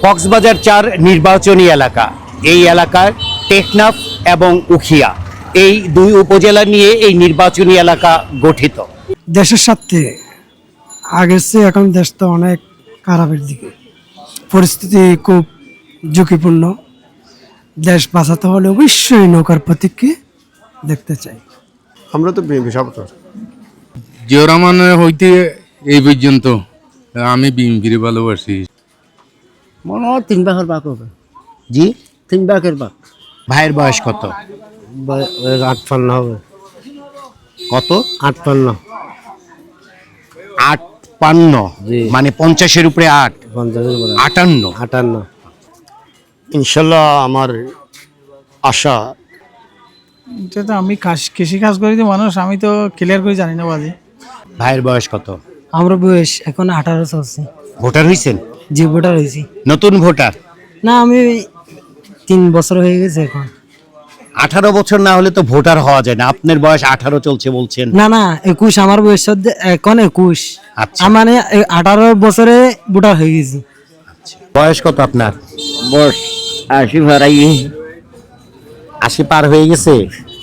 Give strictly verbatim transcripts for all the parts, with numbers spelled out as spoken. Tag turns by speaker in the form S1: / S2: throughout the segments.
S1: কক্সবাজার চার নির্বাচনী এলাকা, এই এলাকার টেকনাফ এবং উখিয়া এই দুই উপজেলা নিয়ে এই নির্বাচনী এলাকা গঠিত।
S2: দেশের স্বার্থে আগের চেয়ে এখন দেশ তো অনেক খারাপের দিকে, পরিস্থিতি খুব ঝুঁকিপূর্ণ। দেশ বাঁচাতে হলে অবশ্যই নৌকার প্রতীককে দেখতে চাই।
S3: আমরা তো বিএনপি সাপোর্টার।
S4: জিয়া রহমানের হইতে এই পর্যন্ত আমি বিএনপির ভালোবাসি।
S5: মনে হয় তিন ভাগের ভাগ হবে।
S1: জি,
S5: তিন ভাগের ভাগ।
S1: ভাইয়ের বয়স কত?
S5: আটপান্ন হবে।
S1: কত?
S5: আটপান্ন।
S1: আট পান্ন,
S5: জি।
S1: মানে পঞ্চাশের উপরে আট,
S5: পঞ্চাশের উপরে
S1: আটান্ন।
S5: আটান্ন।
S3: ইনশাল্লাহ আমার আশা।
S6: এটা তো আমি কাজ- কৃষি কাজ করি তো মানুষ, আমি তো ক্লিয়ার করে জানি না বাজে।
S1: ভাইয়ের বয়স কত?
S2: আমরা বয়স এখন আঠারো চলছে।
S1: ভোটার হয়েছেন?
S2: যে ভোটার হয়েছি
S1: নতুন ভোটার?
S2: না, আমি তিন বছর হয়ে গেছে এখন।
S1: আঠারো বছর না হলে তো ভোটার হওয়া যায় না। আপনার বয়স আঠারো চলছে বলছেন।
S2: না না, একুশ আমার বয়স হচ্ছে- এখন একুশ।
S1: আচ্ছা।
S2: আমার মানে আঠারো বছরে ভোটার হয়ে গেছি।
S1: বয়স কত আপনার?
S5: বস আশি ভাড়াই।
S1: আশি পার হয়ে গেছে।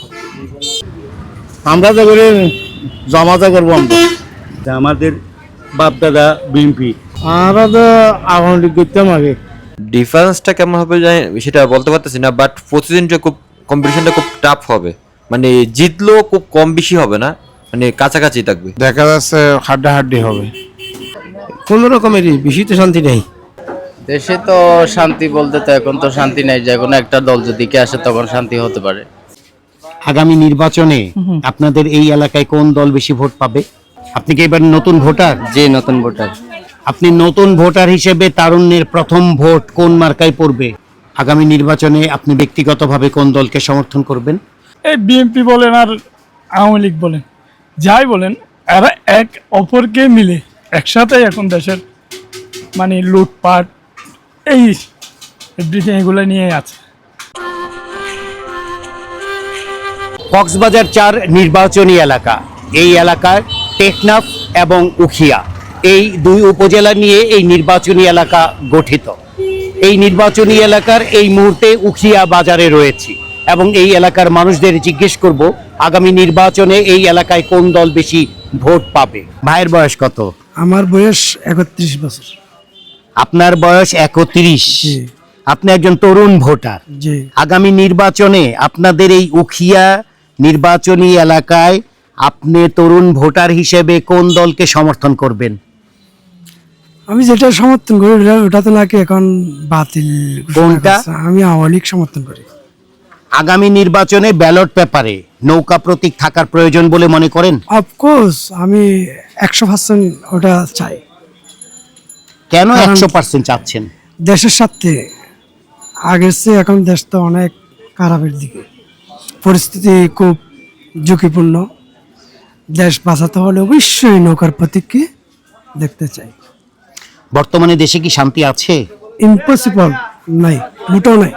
S3: আমরা তো করে জমাতে করবো আমরা।
S1: আমাদের বাপ দাদা বিএনপি।
S3: আমরা তো আওয়ামী লীগ করতাম আগে।
S7: ডিফারেন্সটা কেমন হবে জানি সেটা বলতে পারতেছি না, বাট প্রতিদিনটা খুব কম্পিটিশনটা খুব টাফ হবে, মানে জিতলেও খুব কম বেশি হবে না, মানে কাছাকাছি থাকবে।
S3: দেখা যাচ্ছে হাড্ডাহাড্ডি হবে।
S5: কোন রকমেরই বেশি তো শান্তি নেই
S8: দেশে। তো শান্তি বলতে তো এখন তো শান্তি নাই, যে কোনো একটা দল যদি কে আসে তখন শান্তি হতে পারে।
S1: আগামী নির্বাচনে আপনাদের এই এলাকায় কোন দল বেশি ভোট পাবে? আপনি কি এবার নতুন ভোটার?
S8: যে নতুন ভোটার।
S1: আপনি নতুন ভোটার হিসেবে তারুণ্যের প্রথম ভোট কোন মার্কায় পড়বে? আগামী নির্বাচনে আপনি ব্যক্তিগতভাবে কোন দলকে সমর্থন করবেন?
S6: এই বিএনপি বলেন আর আওয়ামী লীগ বলেন, যাই বলেন, এরা এক অপরকে মিলে একসাথে এখন দেশের মানে লুটপাট এই এভরিথিং এগুলো নিয়ে আছে।
S1: কক্সবাজার চার নির্বাচনী এলাকা, এই এলাকার টেকনাফ এবং উখিয়া এই দুই উপজেলা নিয়ে এই নির্বাচনী এলাকা গঠিত। এই নির্বাচনী এলাকার এই মুহূর্তে উখিয়া বাজারে রয়েছি এবং এই এলাকার মানুষদের জিজ্ঞেস করব আগামী নির্বাচনে এই এলাকায় কোন দল বেশি ভোট পাবে। ভাইয়ের বয়স কত?
S2: আমার বয়স একত্রিশ বছর।
S1: আপনার বয়স একত্রিশ।
S2: জি।
S1: আপনি একজন তরুণ ভোটার।
S2: জি।
S1: আগামী নির্বাচনে আপনাদের এই উখিয়া নির্বাচনী এলাকায় আপনি তরুণ ভোটার হিসেবে কোন দলকে সমর্থন করবেন?
S2: আমি যেটা সমর্থন করি ওটা- ওটা তো নাকি এখন বাতিল ঘোষণা
S1: কোনটা?
S2: করছে। আমি আওয়ামী লীগ সমর্থন করি।
S1: আগামী নির্বাচনে ব্যালট পেপারে নৌকা প্রতীক থাকার প্রয়োজন বলে মনে করেন?
S2: অফকোর্স আমি একশো পার্সেন্ট ওটা চাই।
S1: কেন
S2: কারণ-
S1: একশো পার্সেন্ট চাচ্ছেন?
S2: দেশের স্বার্থে আগের চেয়ে এখন দেশ তো অনেক খারাপের দিকে, পরিস্থিতি খুব ঝুঁকিপূর্ণ। দেশ বাঁচাতে হলে অবশ্যই নৌকার প্রতীককে দেখতে চাই।
S1: বর্তমানে দেশে কি শান্তি আছে?
S2: ইম্পসিবল নাই, মোটেও নাই,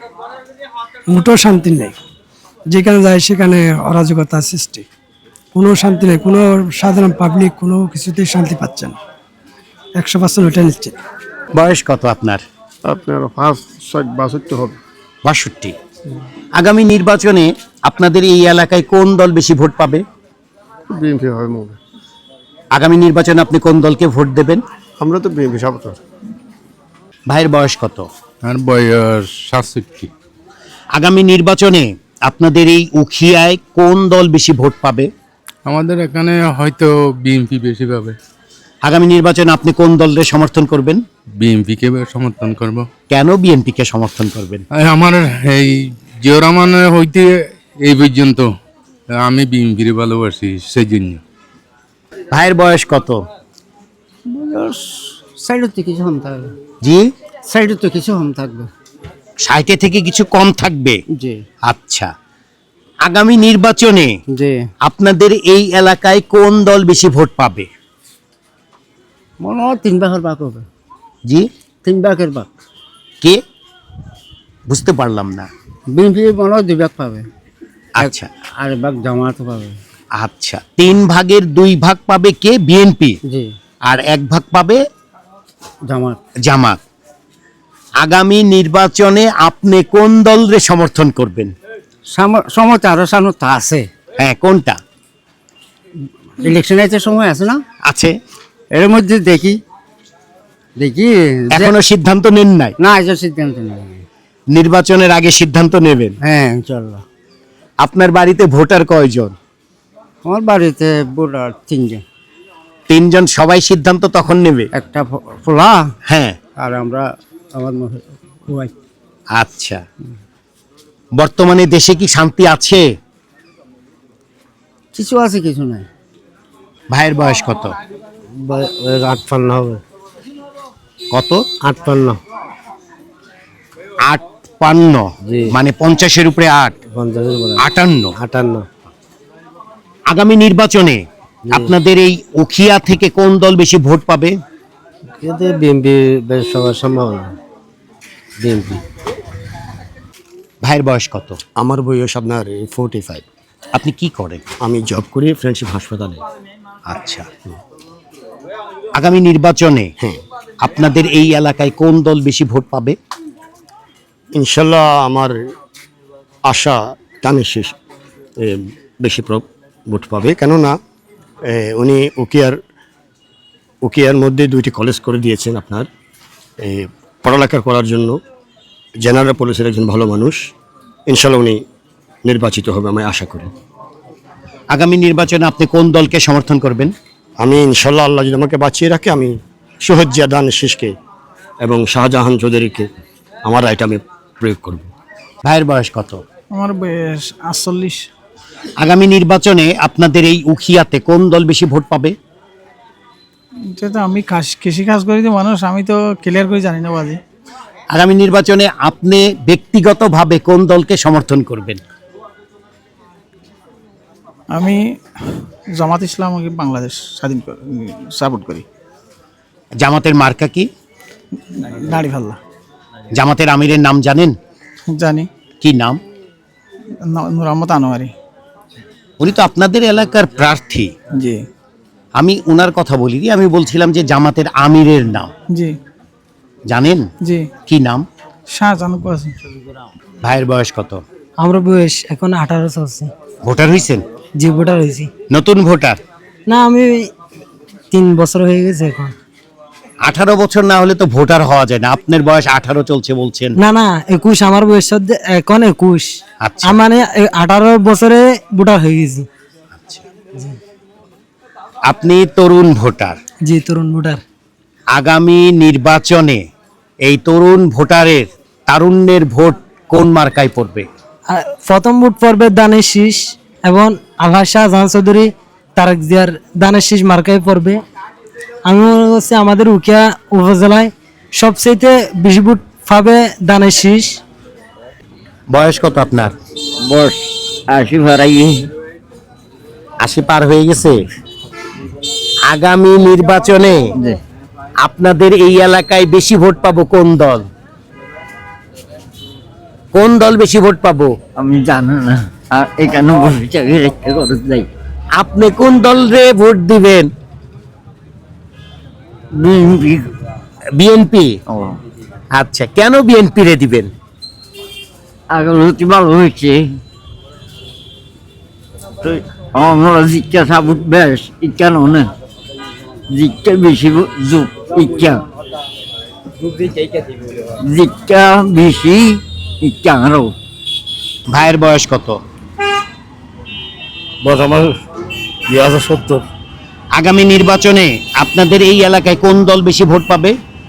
S2: মোটেও শান্তি নেই। যেখানে যায় সেখানে অরাজকতা সৃষ্টি, কোনো শান্তি নেই। কোনো সাধারণ পাবলিক কোনো কিছুতেই শান্তি পাচ্ছে না। একশো পার্সেন্ট ওটা নিচ্ছে।
S1: বয়স কত আপনার?
S3: আপনার ফার্স্ট ছয় বাষট্টি হবে।
S1: বাষট্টি। আগামী নির্বাচনে আপনাদের এই এলাকায় কোন দল বেশি ভোট পাবে?
S3: বিএনপি হবে মনে।
S1: আগামী নির্বাচনে আপনি কোন দলকে ভোট দেবেন?
S3: আমরা তো বিএনপি সাপোর্টার।
S1: ভাইয়ের বয়স কত?
S4: আর বয়স সাতষট্টি।
S1: আগামী নির্বাচনে আপনাদের এই উখিয়ায় কোন দল বেশি ভোট পাবে?
S4: আমাদের এখানে হয়তো বিএনপি বেশি পাবে।
S1: আগামী নির্বাচনে আপনি কোন দলের সমর্থন করবেন?
S4: বিএনপিকে সমর্থন করব।
S1: কেন বিএনপিকে সমর্থন করবেন?
S4: আর আমার এই জিয়া রহমানের হইতে এই পর্যন্ত আমি বিএনপির ভালোবাসি, সেই জন্য।
S1: ভাইয়ের বয়স কত?
S5: সাইডের তো কিছু কম থাকবে।
S1: জি,
S5: সাইডের তো কিছু কম থাকবে।
S1: ষাটে থেকে কিছু কম থাকবে।
S5: জি।
S1: আচ্ছা, আগামী নির্বাচনে
S5: জি।
S1: আপনাদের এই এলাকায় কোন দল বেশি ভোট পাবে?
S5: মনে হয় তিন ভাগের ভাগ হবে।
S1: জি,
S5: তিন ভাগের ভাগ।
S1: কে? বুঝতে পারলাম না।
S5: বিএনপি মনে হয় দুই ভাগ পাবে।
S1: আচ্ছা
S5: আর ভাগ জামাত পাবে।
S1: আচ্ছা, তিন ভাগের দুই ভাগ পাবে কে? বিএনপি।
S5: জি।
S1: আর এক ভাগ পাবে
S5: জামাত।
S1: জামাত। আগামী নির্বাচনে আপনি কোন দলরে সমর্থন করবেন?
S5: সময় আরো সামর্থ্য আছে,
S1: হ্যাঁ, কোনটা
S5: ইলেকশন আছে, সময় আছে না,
S1: আছে?
S5: এর মধ্যে দেখি দেখি যে-
S1: এখনো সিদ্ধান্ত নেন নাই?
S5: না এটা সিদ্ধান্ত নেই।
S1: নির্বাচনের আগে সিদ্ধান্ত নেবেন।
S5: হ্যাঁ ইনশাল্লাহ।
S1: আপনার বাড়িতে ভোটার কয়জন?
S5: আমার বাড়িতে ভোটার তিনজন,
S1: তিনজন, সবাই সিদ্ধান্ত তখন নেবে?
S5: একটা ফ- ফোলা
S1: হ্যাঁ,
S5: আর আমরা আমার মহ- ওয়াইফ।
S1: আচ্ছা। বর্তমানে দেশে কি শান্তি আছে?
S5: কিছু আছে কিছু নাই।
S1: ভাইয়ের বয়স কত?
S3: আটপান্ন হবে।
S1: কত?
S3: আটপান্ন।
S1: আট পান্ন,
S3: জি।
S1: মানে পঞ্চাশের উপরে আট,
S3: পঞ্চাশের উপরে
S1: আটান্ন।
S3: আটান্ন।
S1: আগামী নির্বাচনে আপনাদের এই উখিয়া থেকে কোন দল বেশি ভোট পাবে?
S3: এতে বিএনপি বেশ সবার সম্ভাবনা, বিএনপি।
S1: ভাইয়ের বয়স কত?
S9: আমার বয়স আপনার ফোর্টি ফাইভ।
S1: আপনি কি করেন?
S9: আমি জব করি ফ্রেন্ডশিপ হাসপাতালে।
S1: আচ্ছা, আগামী নির্বাচনে
S9: হ্যাঁ,
S1: আপনাদের এই এলাকায় কোন দল বেশি ভোট পাবে?
S9: ইনশাল্লাহ আমার আশা টানের শেষ এ, বেশি প্র- ভোট পাবে, কেননা এ, উনি উকিয়ার উকিয়ার মধ্যে দুইটি কলেজ করে দিয়েছেন আপনার এ, পড়ালেখা করার জন্য। জেনারেল পুলিশের একজন ভালো মানুষ, ইনশাল্লাহ উনি নির্বাচিত হবে আমি আশা করি।
S1: আগামী নির্বাচনে আপনি কোন দলকে সমর্থন করবেন?
S9: আমি ইনশাল্লাহ আল্লাহ যদি আমাকে বাঁচিয়ে রাখে, আমি শহীদ জিয়া দানের শেষকে এবং শাহজাহান চৌধুরীকে আমার রায়টা আমি প্রয়োগ করব।
S1: ভাইয়ের বয়স কত?
S6: আমার বয়স আটচল্লিশ।
S1: আগামী নির্বাচনে আপনাদের এই উখিয়াতে কোন দল বেশি ভোট পাবে?
S6: যেহেতু আমি কাজ- কৃষি কাজ করি তো মানুষ, আমি তো ক্লিয়ার করে জানি না বাজে।
S1: আগামী নির্বাচনে আপনি ব্যক্তিগতভাবে কোন দলকে সমর্থন করবেন?
S6: আমি জামাত ইসলাম বাংলাদেশ স্বাধীন সাপোর্ট করি।
S1: জামাতের মার্কা কি?
S6: নাড়ি ভাল্লা।
S1: জামাতের আমিরের নাম জানেন?
S6: জানি,
S1: কি নাম?
S6: ন- নূর আহমদ আনোয়ারি।
S1: উনি তো আপনাদের এলাকার প্রার্থী।
S6: জি
S1: আমি উনার কথা বলিনি, আমি বলছিলাম যে জামাতের আমিরের নাম
S6: জি
S1: জানেন?
S6: জি
S1: কি নাম?
S6: শাহজাহান আছে।
S1: ভাইয়ের বয়স কত?
S2: আমার বয়স এখন আঠারো চলছে।
S1: ভোটার হয়েছেন?
S2: জি ভোটার হয়েছি।
S1: নতুন ভোটার?
S2: না আমি তিন বছর হয়ে গেছে এখন।
S1: আঠারো বছর না হলে তো ভোটার হওয়া যায় না। আপনার বয়স আঠারো চলছে বলছেন।
S2: না না একুশ, আমার বয়স হচ্ছে এখন একুশ।
S1: আচ্ছা।
S2: আমি মানে আঠারো বছরে ভোটার হয়ে গেছি।
S1: আপনি তরুণ ভোটার।
S2: জি তরুণ ভোটার।
S1: আগামী নির্বাচনে এই তরুণ ভোটারের তারুণ্যের ভোট কোন মার্কায় পড়বে?
S2: আর প্রথম ভোট পড়বে দানের শীষ এবং আলহাজ শাহজাহান চৌধুরী তারেক জিয়ার দানের শীষ মার্কায় পড়বে। আমি মনে করছি আমাদের উখিয়া উপজেলায় সবচেয়ে বেশি ভোট পাবে দানের শীষ।
S1: বয়স কত আপনার?
S5: বস আশি ভাড়াই
S1: আশি পার হয়ে গেছে। আগামী নির্বাচনে আপনাদের এই এলাকায় বেশি ভোট পাবো কোন দল? কোন দল বেশি ভোট পাবো?
S5: আমি জানি না, আর এখানে বসে চাকরি রেখে খরচ যাই।
S1: আপনি কোন দলরে ভোট দিবেন?
S5: বিএনপি।
S1: বিএনপি?
S5: ও
S1: আচ্ছা, কেন বিএনপি রে দিবেন?
S5: আগলতি ভালো হয়েছে, আমরা জিজ্ঞা সাবুত বেশ ইচ্ছা না, জিজ্ঞা বেশি যুগ ইচ্ছা, জিজ্ঞা বেশি ইচ্ছা আরো।
S1: ভাইয়ের বয়স কত?
S3: বস আমার দুই হাজার সত্তর।
S1: আগামী নির্বাচনে আপনাদের এই এলাকায় কোন দল বেশি ভোট পাবে?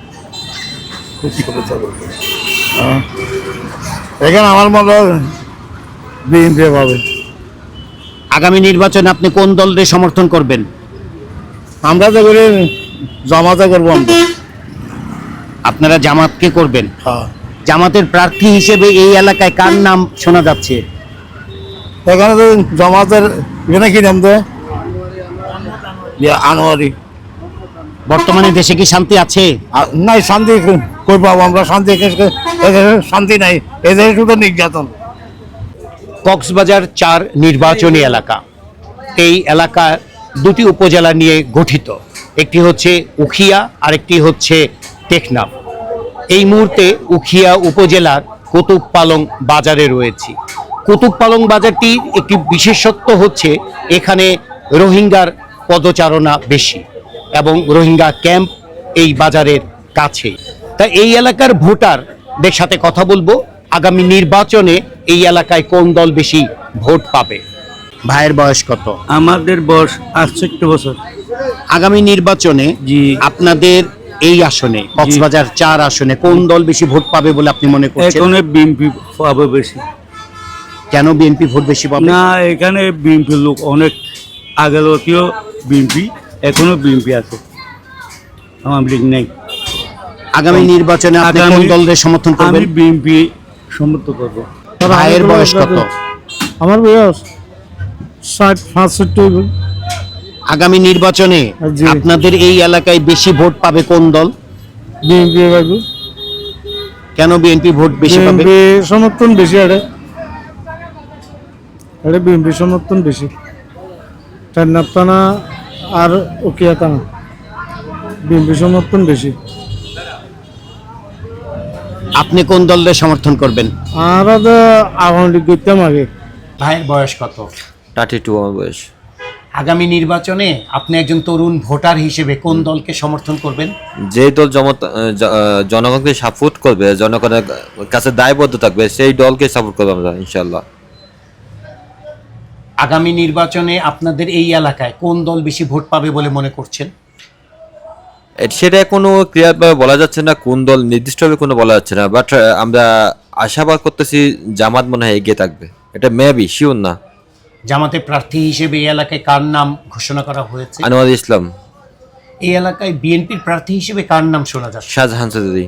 S3: এখানে আমার মতো বিএনপি পাবে।
S1: আগামী নির্বাচনে আপনি কোন দলরে সমর্থন করবেন?
S3: আমরা তো করে জমাতে করবো আমরা।
S1: আপনারা জামাতকে করবেন?
S3: হ্যাঁ,
S1: জামাতের প্রার্থী হিসেবে এই এলাকায় কার নাম শোনা যাচ্ছে?
S3: এখানে তো জমাতের এখানে কি নাম দেয়? আনোয়ারি।
S1: বর্তমানে দেশে কি শান্তি আছে?
S3: আর নাই, শান্তি কই পাবো আমরা? শান্তি এদেশে শান্তি নাই, এদেশে শুধু নির্যাতন।
S1: কক্সবাজার চার নির্বাচনী এলাকা। এই এলাকা দুটি উপজেলা নিয়ে গঠিত, একটি হচ্ছে উখিয়া আর একটি হচ্ছে টেকনাফ। এই মুহূর্তে উখিয়া উপজেলার কুতুব পালং বাজারে রয়েছি। কুতুব পালং বাজারটির একটি বিশেষত্ব হচ্ছে এখানে রোহিঙ্গার পদচারণা বেশি এবং রোহিঙ্গা ক্যাম্প এই বাজারের কাছে। তা এই এলাকার ভোটারদের সাথে কথা বলবো আগামী নির্বাচনে এই এলাকায় কোন দল বেশি ভোট পাবে। ভাইয়ের বয়স কত?
S10: আমাদের বয়স আটষট্টি বছর।
S1: আগামী নির্বাচনে
S10: জি
S1: আপনাদের এই আসনে কক্সবাজার চার আসনে কোন দল বেশি ভোট পাবে বলে আপনি মনে করছেন?
S10: এখানে বিএনপি পাবে বেশি।
S1: কেন বিএনপি ভোট বেশি পাবে?
S10: না, এখানে বিএনপি লোক অনেক আগেও বিএনপি, এখনো বিএনপি আছে, আওয়ামী লীগ নেই।
S1: আগামী নির্বাচনে আপনি কোন
S10: আগামী-
S1: দলের সমর্থন
S10: আমি
S1: করবেন?
S10: বিএনপি সমর্থন করবো।
S1: ভাইয়ের বয়স কত?
S6: আমার বয়স ষাট পাঁচষট্টি।
S1: আগামী নির্বাচনে
S6: জি।
S1: আপনাদের এই এলাকায় বেশি ভোট পাবে কোন দল?
S6: বিএনপি পাইবো।
S1: কেন বিএনপি ভোট বেশি পাবে?
S6: বিএনপি সমর্থন বেশি, আরে আরে বিএনপি সমর্থন বেশি। টেন্নার টানা আর উকিয়া টানা বিএনপি সমর্থন বেশি।
S1: আপনি কোন দলের সমর্থন করবেন?
S6: আর আওয়ামী লীগ করতাম আগে।
S1: ভাইয়ের বয়স কত?
S7: থার্টি টু আমার বয়স।
S1: আগামী নির্বাচনে আপনি একজন তরুণ ভোটার হিসেবে কোন দলকে সমর্থন করবেন?
S7: যে দল জমত জ- আহ, জনগণকে সাপোর্ট করবে, জনগণের কাছে দায়বদ্ধ থাকবে, সেই দলকে সাপোর্ট করবো আমরা ইনশাল্লাহ।
S1: আগামী নির্বাচনে আপনাদের এই এলাকায় কোন দল বেশি ভোট পাবে বলে মনে করছেন?
S7: এ- সেটা কোনো ক্লিয়ারভাবে বলা যাচ্ছে না, কোন দল নির্দিষ্টভাবে কোনো বলা যাচ্ছে না, বাট আমরা আশাবাদ করতেছি জামাত মনে হয় এগিয়ে থাকবে। এটা মেবি, শিওর না।
S1: জামাতের প্রার্থী হিসেবে এই এলাকায় কার নাম ঘোষণা করা হয়েছে?
S7: আনোয়ার ইসলাম।
S1: এই এলাকায় বিএনপির প্রার্থী হিসেবে কার নাম শোনা যাচ্ছে?
S7: শাহজাহান চৌধুরী।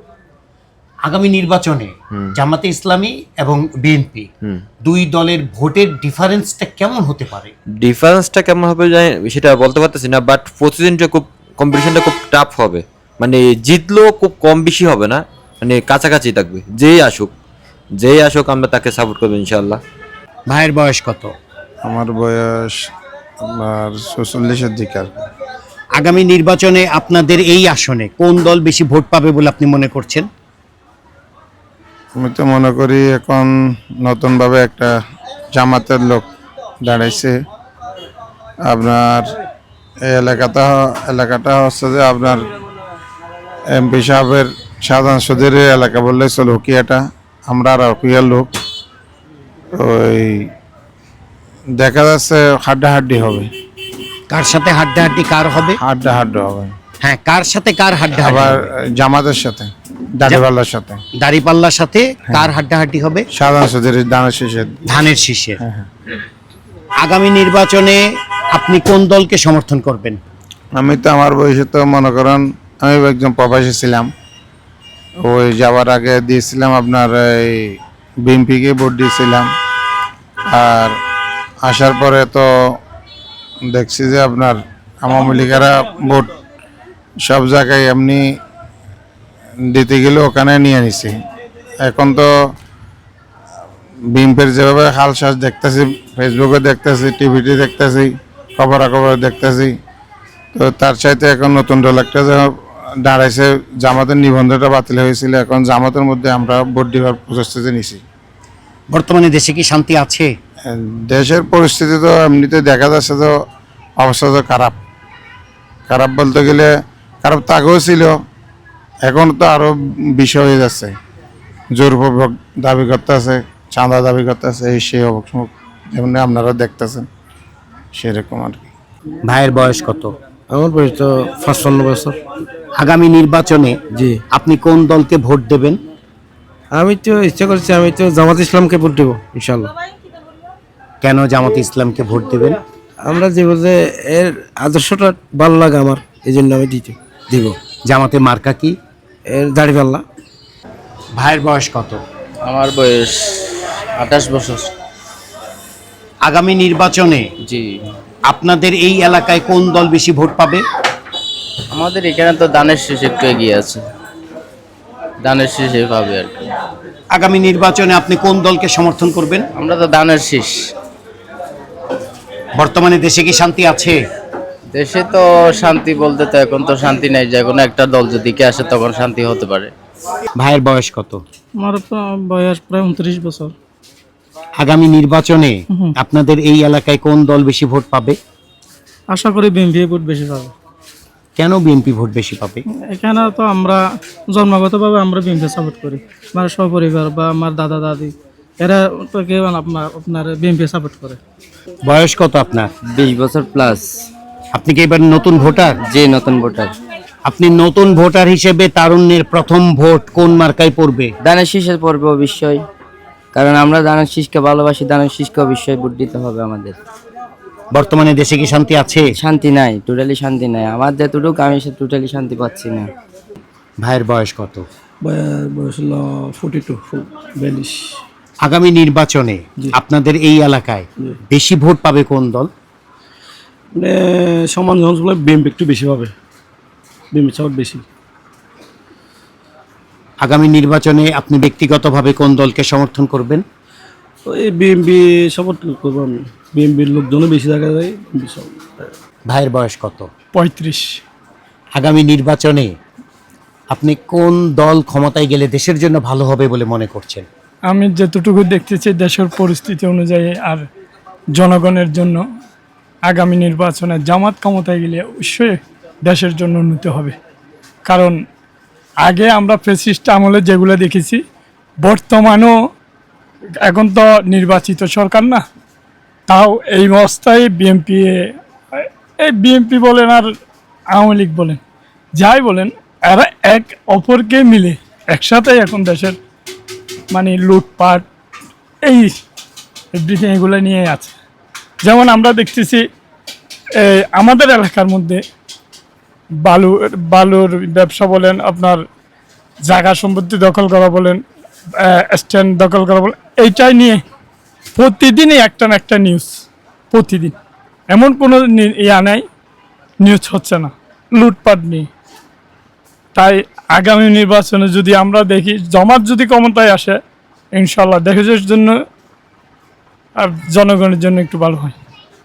S1: আগামী নির্বাচনে জামাতে ইসলামী এবং বিএনপি দুই দলের ভোটের ডিফারেন্সটা কেমন হতে পারে?
S7: ডিফারেন্সটা কেমন হবে জানি সেটা বলতে পারতেছি না, বাট প্রতিদিনটা খুব কম্পিটিশনটা খুব টাফ হবে। মানে জিতলেও খুব কম বেশি হবে না, মানে কাছাকাছি থাকবে। যেই আসুক যেই আসুক আমরা তাকে সাপোর্ট করবো ইনশাল্লাহ।
S1: ভাইয়ের বয়স কত?
S3: আমার বয়স আপনার ছচল্লিশের দিকে আর কি।
S1: আগামী নির্বাচনে আপনাদের এই আসনে কোন দল বেশি ভোট পাবে বলে আপনি মনে করছেন?
S3: আমি তো মনে করি এখন নতুনভাবে একটা জামাতের লোক দাঁড়াইছে। আপনার এই এলাকাটা এলাকাটা হচ্ছে যে আপনার এমপি সাহেবের শাহজাহান চৌধুরীর এলাকা বললে চলো, উকিয়াটা আমরা আর উকিয়ার লোক। ওই দেখা যাচ্ছে হাড্ডাহাড্ডি হবে।
S1: কার সাথে হাড্ডাহাড্ডি কার হবে?
S3: হাড্ডাহাড্ডি হবে।
S1: হ্যাঁ, কার সাথে কার হাড্ডাহাড্ডি
S3: আবার
S1: হবে?
S3: জামাতের সাথে, দাড়িওয়ালার সাথে।
S1: দাড়িপাল্লার সাথে কার হাড্ডাহাড্ডি হবে?
S3: শাহজাহান চৌধুরীর দানের শেষে।
S1: ধানের শীষের। আগামী নির্বাচনে আপনি কোন দলকে সমর্থন করবেন?
S3: আমি তো আমার বয়সে তো মনে করেন আমি একজন প্রবাসী ছিলাম। ওই যাওয়ার আগে দিয়েছিলাম আপনার এই বিএনপিকে ভোট দিয়েছিলাম। আর আসার পরে তো দেখছি যে আপনার আওয়ামী লীগেরা ভোট সব জায়গায় এমনি দিতে গেলে ওখানে নিয়ে নিছি। এখন তো বিএনপির যেভাবে হালশ্বাস দেখতেছি, ফেসবুকে দেখতেছি, টিভিতে দেখতেছি, খবরাখবর দেখতেছি, তো তার চাইতে এখন নতুন দল একটা যে দাঁড়াইছে, জামাতের নিবন্ধনটা বাতিল হয়েছিল, এখন জামাতের মধ্যে আমরা ভোট দেওয়ার প্রস্তুতি নিছি।
S1: বর্তমানে দেশে কি শান্তি আছে?
S3: দেশের পরিস্থিতি তো এমনিতে দেখা যাচ্ছে তো অবস্থা তো খারাপ। খারাপ বলতে গেলে খারাপ তো আগেও ছিল, এখন তো আরও বিষয় হয়ে যাচ্ছে। জোরপূর্বক দাবি করতে আছে, চাঁদা দাবি করতে আছে, এই সেই অবস্থা যেমন আপনারা দেখতেছেন সেরকম আর কি।
S1: ভাইয়ের বয়স কত?
S10: আমার বয়স তো পঞ্চান্ন বছর।
S1: আগামী নির্বাচনে
S10: জি,
S1: আপনি কোন দলকে ভোট দেবেন?
S10: আমি তো ইচ্ছা করছি আমি তো জামাত ইসলামকে ভোট দেবো ইনশাল্লাহ।
S1: কেন জামাত ইসলামকে ভোট দেবেন?
S10: আমরা যে বলতে এর আদর্শটা ভালো লাগে আমার, এই জন্য আমি দিতে দিব।
S1: জামাতে মার্কা কি?
S10: এর দাড়িপাল্লা।
S1: ভাইয়ের বয়স কত?
S8: আমার বয়স আঠাশ বছর।
S1: আগামী নির্বাচনে
S8: জি,
S1: আপনাদের এই এলাকায় কোন দল বেশি ভোট পাবে?
S8: আমাদের এখানে তো দানের শীষ একটু এগিয়ে আছে, দানের শীষে পাবে আর কি।
S1: আগামী নির্বাচনে আপনি কোন দলকে সমর্থন করবেন?
S8: আমরা তো দানের শীষ।
S1: বর্তমানে দেশে কি শান্তি আছে?
S8: দেশে তো শান্তি বলতে তো এখন তো শান্তি নাই, যে কোনো একটা দল যদি কে আসে তখন শান্তি হতে পারে।
S1: ভাইয়ের বয়স কত?
S6: আমার বয়স প্রায় উনত্রিশ বছর।
S1: আগামী নির্বাচনে আপনাদের এই এলাকায় কোন দল বেশি ভোট পাবে?
S6: আশা করি বিএনপি ভোট বেশি পাবে।
S1: কেন বিএনপি ভোট বেশি পাবে?
S6: এখানে তো আমরা জন্মগতভাবে আমরা বিএনপি সাপোর্ট করি, আমার সপরিবার বা আমার দাদা দাদি এরা তো কেউ আপনার আপনার বিএনপি সাপোর্ট করে।
S1: বয়স কত আপনার?
S8: বিশ বছর প্লাস।
S1: আপনি কি এবার নতুন ভোটার?
S8: যে নতুন ভোটার।
S1: আপনি নতুন ভোটার হিসেবে তারুণ্যের প্রথম ভোট কোন মার্কায় পড়বে?
S8: দানের শীষে পড়বে অবশ্যই, কারণ আমরা দানের শীষকে ভালোবাসি। দানের শীষকে অবশ্যই ভোট দিতে হবে আমাদের।
S1: বর্তমানে দেশে কি শান্তি আছে?
S8: শান্তি নাই, টোটালি শান্তি নাই। আমার যতটুকু আমি সে টোটালি শান্তি পাচ্ছি না।
S1: ভাইয়ের বয়স কত?
S6: বয়স হলো ফোর্টি টু বিয়াল্লিশ।
S1: আগামী নির্বাচনে আপনাদের এই এলাকায় বেশি ভোট পাবে কোন দল?
S6: সমান বিএনপি একটু বেশি পাবে, বিএনপি সাপোর্ট বেশি।
S1: আগামী নির্বাচনে আপনি ব্যক্তিগতভাবে কোন দলকে সমর্থন করবেন?
S6: এই বিএনপি সাপোর্ট করবো আমি, বিএনপির লোকজনও বেশি দেখা যায়।
S1: ভাইয়ের বয়স কত?
S6: পঁয়ত্রিশ।
S1: আগামী নির্বাচনে আপনি কোন দল ক্ষমতায় গেলে দেশের জন্য ভালো হবে বলে মনে করছেন?
S6: আমি যতটুকু দেখতেছি দেশের পরিস্থিতি অনুযায়ী আর জনগণের জন্য আগামী নির্বাচনে জামাত ক্ষমতায় গেলে অবশ্যই দেশের জন্য উন্নতি হবে। কারণ আগে আমরা ফ্যাসিস্ট আমলে যেগুলো দেখেছি, বর্তমানেও এখন তো নির্বাচিত সরকার না, তাও এই অবস্থায় বিএনপি, এই বিএনপি বলেন আর আওয়ামী লীগ বলেন, যাই বলেন, এরা এক অপরকে মিলে একসাথে এখন দেশের মানে লুটপাট এই এভরিথিং এগুলো নিয়ে আছে। যেমন আমরা দেখতেছি আমাদের এলাকার মধ্যে বালু বালুর ব্যবসা বলেন, আপনার জায়গা সম্পত্তি দখল করা বলেন, স্ট্যান্ড দখল করা বলেন, এইটাই নিয়ে প্রতিদিনই একটা না একটা নিউজ। প্রতিদিন এমন কোনো ইয়া নাই নিউজ হচ্ছে না লুটপাট নিয়ে। তাই আগামী নির্বাচনে যদি আমরা দেখি জামাত যদি ক্ষমতায় আসে, ইনশাল্লাহ দেশের জন্য আর জনগণের জন্য একটু ভালো হয়।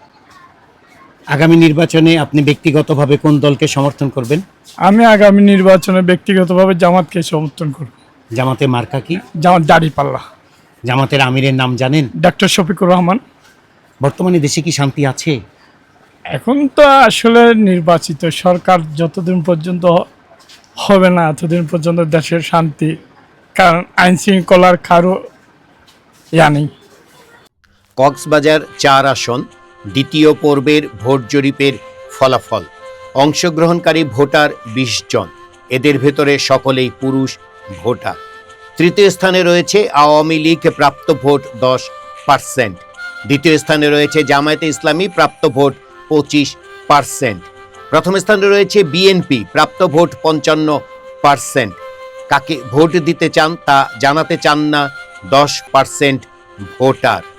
S1: আগামী নির্বাচনে আপনি ব্যক্তিগতভাবে কোন দলকে সমর্থন করবেন?
S6: আমি আগামী নির্বাচনে ব্যক্তিগতভাবে জামাতকে সমর্থন করব।
S1: জামাতে মার্কা কি?
S6: জামাত দাঁড়িপাল্লা।
S1: জামাতের আমিরের নাম জানেন?
S6: ডক্টর শফিকুর রহমান।
S1: বর্তমানে দেশে কি শান্তি আছে?
S6: এখন তো আসলে নির্বাচিত সরকার যতদিন পর্যন্ত হবে না ততদিন পর্যন্ত দেশের শান্তি, কারণ আইন শৃঙ্খলার কারো ইয়া নেই।
S1: কক্সবাজার চার আসন দ্বিতীয় পর্বের ভোট জরিপের ফলাফল। অংশগ্রহণকারী ভোটার বিশ জন, এদের ভেতরে সকলেই পুরুষ ভোটার। তৃতীয় স্থানে রয়েছে আওয়ামী লীগ, প্রাপ্ত ভোট দশ পার্সেন্ট। দ্বিতীয় স্থানে রয়েছে জামায়াতে ইসলামী, প্রাপ্ত ভোট পঁচিশ পার্সেন্ট। প্রথম স্থানে রয়েছে বিএনপি, প্রাপ্ত ভোট পঞ্চান্ন পার্সেন্ট। কাকে ভোট দিতে চান তা জানাতে চান না দশ পার্সেন্ট ভোটার।